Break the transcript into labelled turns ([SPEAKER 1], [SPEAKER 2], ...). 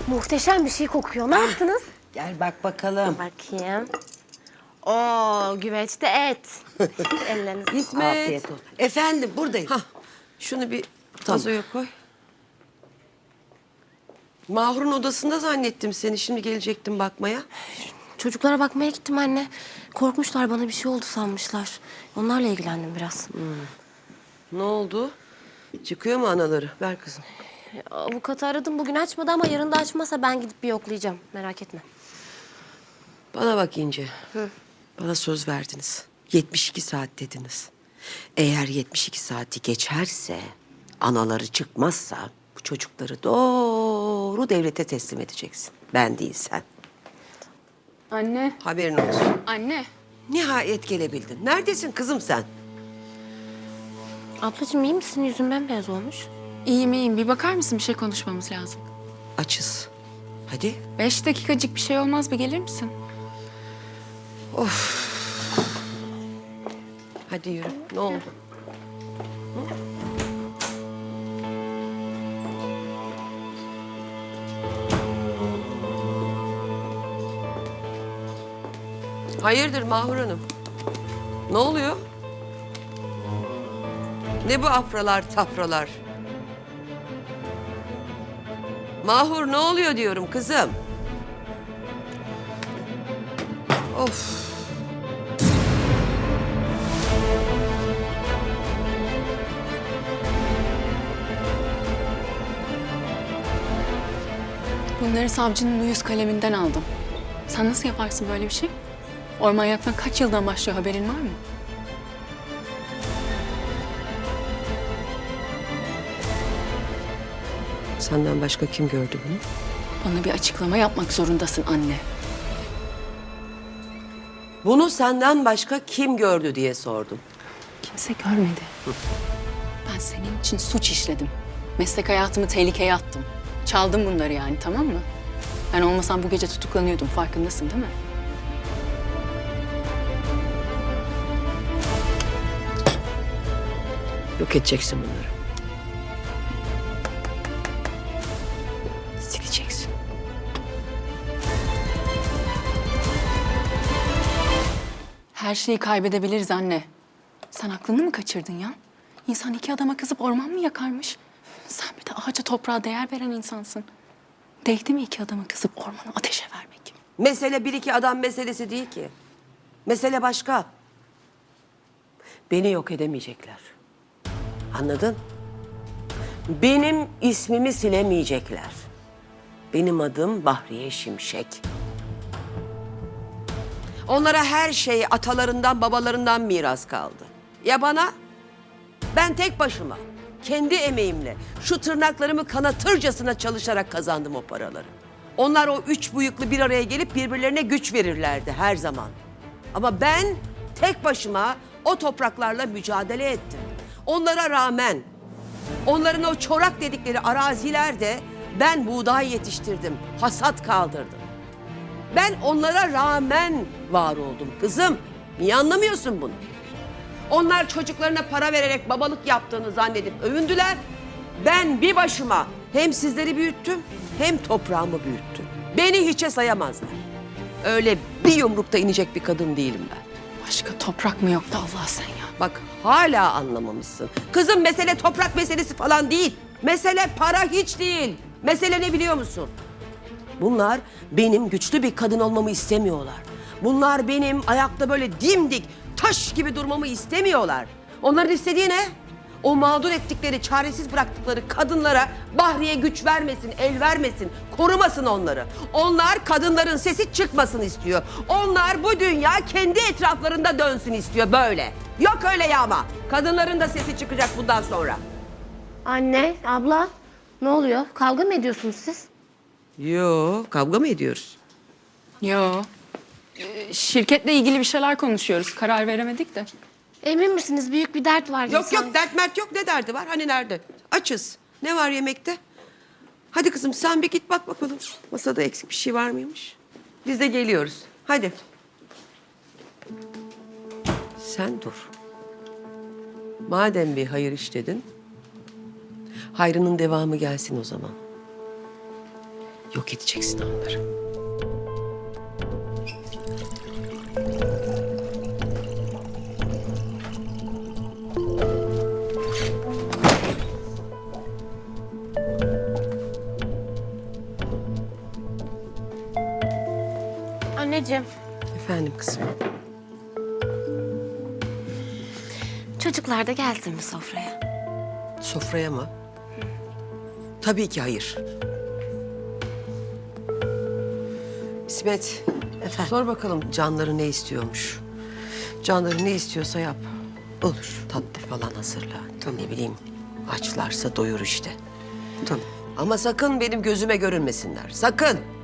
[SPEAKER 1] Muhteşem bir şey kokuyor. Ne yaptınız?
[SPEAKER 2] Gel bak bakalım.
[SPEAKER 1] Bakayım. Oo, güveçte et. Ellerinize.
[SPEAKER 3] İsmet.
[SPEAKER 2] Afiyet olsun. Efendim buradayım.
[SPEAKER 3] Hah, şunu bir vazoya koy. Mahur'un odasında zannettim seni. Şimdi gelecektim bakmaya.
[SPEAKER 1] Çocuklara bakmaya gittim anne. Korkmuşlar, bana bir şey oldu sanmışlar. Onlarla ilgilendim biraz.
[SPEAKER 3] Ne oldu? Çıkıyor mu anaları? Ver kızım.
[SPEAKER 1] Avukatı aradım, bugün açmadı ama yarın da açmazsa ben gidip bir yoklayacağım. Merak etme.
[SPEAKER 3] Bana bak İnce. Bana söz verdiniz. 72 saat dediniz. Eğer 72 saati geçerse, anaları çıkmazsa bu çocukları doğru devlete teslim edeceksin. Ben değil sen.
[SPEAKER 4] Anne,
[SPEAKER 3] Haberin olsun.
[SPEAKER 4] anne.
[SPEAKER 3] Nihayet gelebildin. Neredesin kızım sen?
[SPEAKER 1] Ablacığım iyi misin? Yüzün bembeyaz olmuş.
[SPEAKER 4] İyiyim iyiyim. Bir bakar mısın? Bir şey konuşmamız lazım.
[SPEAKER 3] Açız. Hadi.
[SPEAKER 4] 5 dakikacık bir şey olmaz. Bir gelir misin?
[SPEAKER 3] Hadi yürü. Ne oldu? Hayırdır Mahur Hanım? Ne oluyor? Ne bu afralar tafralar? Mahur ne oluyor diyorum kızım? Of.
[SPEAKER 4] Bunları savcının uyuz kaleminden aldım. Sen nasıl yaparsın böyle bir şey? Orman yaktan kaç yıldan başlıyor, haberin var mı?
[SPEAKER 3] Senden başka kim gördü bunu?
[SPEAKER 4] Bana bir açıklama yapmak zorundasın anne.
[SPEAKER 3] Bunu senden başka kim gördü diye sordum.
[SPEAKER 4] Kimse görmedi. Ben senin için suç işledim. Meslek hayatımı tehlikeye attım. Çaldım bunları yani, tamam mı? Ben olmasam bu gece tutuklanıyordum, farkındasın değil mi?
[SPEAKER 3] Yok edeceksin bunları. Sileceksin.
[SPEAKER 4] Her şeyi kaybedebiliriz anne. Sen aklını mı kaçırdın ya? İnsan iki adama kızıp orman mı yakarmış? Sen bir de ağaca toprağa değer veren insansın. Değdi mi iki adama kızıp ormanı ateşe vermek?
[SPEAKER 3] Mesele bir iki adam meselesi değil ki. Mesele başka. Beni yok edemeyecekler. Anladın? Benim ismimi silemeyecekler. Benim adım Bahriye Şimşek. Onlara her şey atalarından, babalarından miras kaldı. Ya bana? Ben tek başıma, kendi emeğimle, şu tırnaklarımı kanatırcasına çalışarak kazandım o paraları. Onlar o üç bıyıklı bir araya gelip birbirlerine güç verirlerdi her zaman. Ama ben tek başıma o topraklarla mücadele ettim. Onlara rağmen, onların o çorak dedikleri arazilerde ben buğday yetiştirdim, hasat kaldırdım. Ben onlara rağmen var oldum kızım. Niye anlamıyorsun bunu? Onlar çocuklarına para vererek babalık yaptığını zannedip övündüler. Ben bir başıma hem sizleri büyüttüm hem toprağımı büyüttüm. Beni hiçe sayamazlar. Öyle bir yumrukta inecek bir kadın değilim ben.
[SPEAKER 4] Başka toprak mı yoktu Allah sen ya?
[SPEAKER 3] Bak hala anlamamışsın. Kızım mesele toprak meselesi falan değil. Mesele para hiç değil. Mesele ne biliyor musun? Bunlar benim güçlü bir kadın olmamı istemiyorlar. Bunlar benim ayakta böyle dimdik, taş gibi durmamı istemiyorlar. Onların istediği ne? O mağdur ettikleri, çaresiz bıraktıkları kadınlara Bahriye güç vermesin, el vermesin, korumasın onları. Onlar kadınların sesi çıkmasın istiyor. Onlar bu dünya kendi etraflarında dönsün istiyor böyle. Yok öyle yağma. Kadınların da sesi çıkacak bundan sonra.
[SPEAKER 1] Anne, abla ne oluyor? Kavga mı ediyorsunuz siz?
[SPEAKER 3] Yo, kavga mı ediyoruz?
[SPEAKER 4] Yo. Şirketle ilgili bir şeyler konuşuyoruz. Karar veremedik de.
[SPEAKER 1] Emin misiniz? Büyük bir dert var.
[SPEAKER 3] Yok yok dert mert yok, ne derdi var, hani nerede? Açız. Ne var yemekte? Hadi kızım sen bir git bak bakalım. Masada eksik bir şey var mıymış? Biz de geliyoruz. Hadi. Sen dur. Madem bir hayır işledin, hayrının devamı gelsin o zaman. Yok edeceksin onları.
[SPEAKER 1] Anneciğim,
[SPEAKER 3] Efendim kızım.
[SPEAKER 1] çocuklar da gelsin mi sofraya?
[SPEAKER 3] Sofraya mı? Tabii ki hayır. İsmet,
[SPEAKER 2] Efendim?
[SPEAKER 3] sor bakalım Canları ne istiyormuş. Canları ne istiyorsa yap.
[SPEAKER 2] Olur.
[SPEAKER 3] Tatlı falan hazırla. Ne bileyim, açlarsa doyur işte.
[SPEAKER 2] Tamam.
[SPEAKER 3] Ama sakın benim gözüme görünmesinler. Sakın.